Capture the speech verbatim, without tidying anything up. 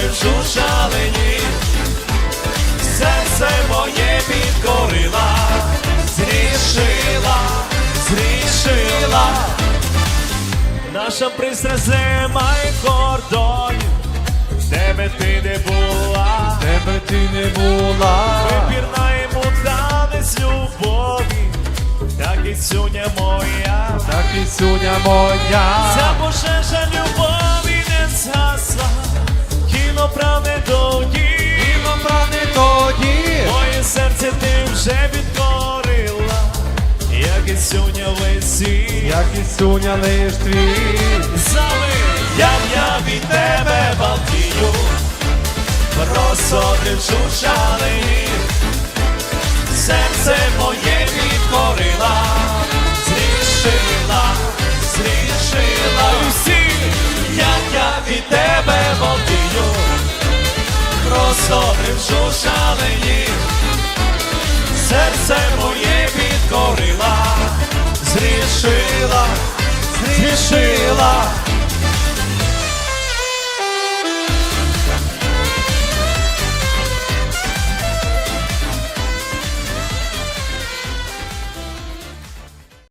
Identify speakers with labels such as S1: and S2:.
S1: розсодившу шалені, серце моє підкорила, зрішила, зрішила. Наша пристрасть немає кордонів, де би ти не була,
S2: де би ти не була,
S1: вибірна йому танець любові, так і сюня моя,
S2: так і сюня моя.
S1: ця пожежа любові не згасла, кіно прагне тоді,
S2: Кіно прагне тоді,
S1: моє серце ти вже підкорила, як і сюня весі,
S2: як і сюня лиш твій.
S1: Зали, як я від тебе балдію, розсодившу шалені, серце моє підкорила, зрішила, зрішила. Усі, як я від тебе балдію, розсодившу шалені, серце моє підкорила, зрішила, зрішила.